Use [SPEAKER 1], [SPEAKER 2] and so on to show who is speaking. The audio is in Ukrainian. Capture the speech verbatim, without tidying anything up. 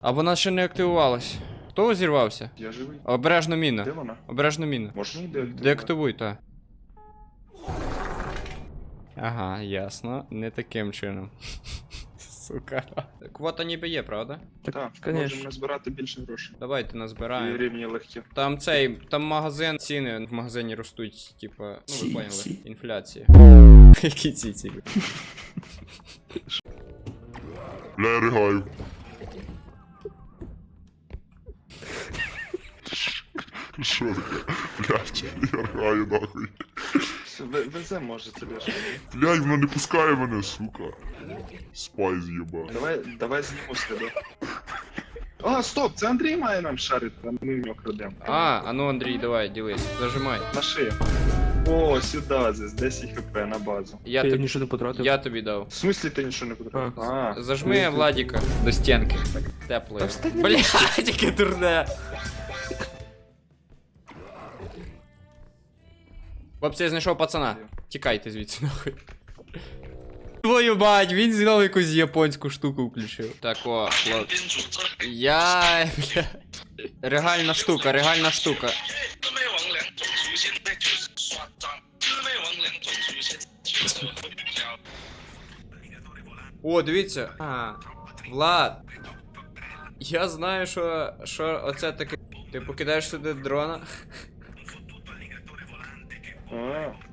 [SPEAKER 1] А вона ще не активувалась. Хто зірвався?
[SPEAKER 2] Я живий.
[SPEAKER 1] Обережно міна.
[SPEAKER 2] Де вона?
[SPEAKER 1] Обережно міна.
[SPEAKER 2] Можна її деактивувати?
[SPEAKER 1] Деактивуй, та. Ага, ясно. Не таким чином. Сука. Квота ніби є, правда?
[SPEAKER 2] Так,
[SPEAKER 3] конечно.
[SPEAKER 2] можемо назбирати більше грошей.
[SPEAKER 1] Давайте
[SPEAKER 2] І
[SPEAKER 1] назбираємо.
[SPEAKER 2] рівні легкі.
[SPEAKER 1] Там цей, там магазин, ціни в магазині ростуть, типа, ну ви
[SPEAKER 3] Ці-
[SPEAKER 1] поняли,
[SPEAKER 3] ці.
[SPEAKER 1] інфляція. Які ці ці?
[SPEAKER 4] Бля, я ригаю. Що таке? Блядь, я ригаю нахуй.
[SPEAKER 2] Все, ве- везе може тобі ж.
[SPEAKER 4] Блядь, вона не пускає мене, сука. Спай з'єба.
[SPEAKER 2] Давай, давай зніму з тебе. А, стоп, це Андрій має нам шарити, а ми в нього крадемо.
[SPEAKER 1] А, а ну Андрій, давай, дивись, зажимай.
[SPEAKER 2] На шию. О, сюди, здесь десять хп на базу.
[SPEAKER 1] Я,
[SPEAKER 3] Я
[SPEAKER 1] тобі,
[SPEAKER 3] нічого не потратив.
[SPEAKER 1] я тобі дав.
[SPEAKER 2] В смислі ти нічого не потратив?
[SPEAKER 3] А.
[SPEAKER 2] А,
[SPEAKER 1] Зажми Владіка до стінки. Так тепло.
[SPEAKER 3] Та встань на
[SPEAKER 1] Блядь, яке дурне. Хлопці, я знайшов пацана. Тікайте звідси нахуй. Твою мать, він знову якусь японську штуку включив. Так, о, хлопці. Я, бля. Регальна штука, регальна штука. О, дивіться. А, Влад. Я знаю, що, що оце таке. Ти покидаєш сюди дрона.
[SPEAKER 2] а,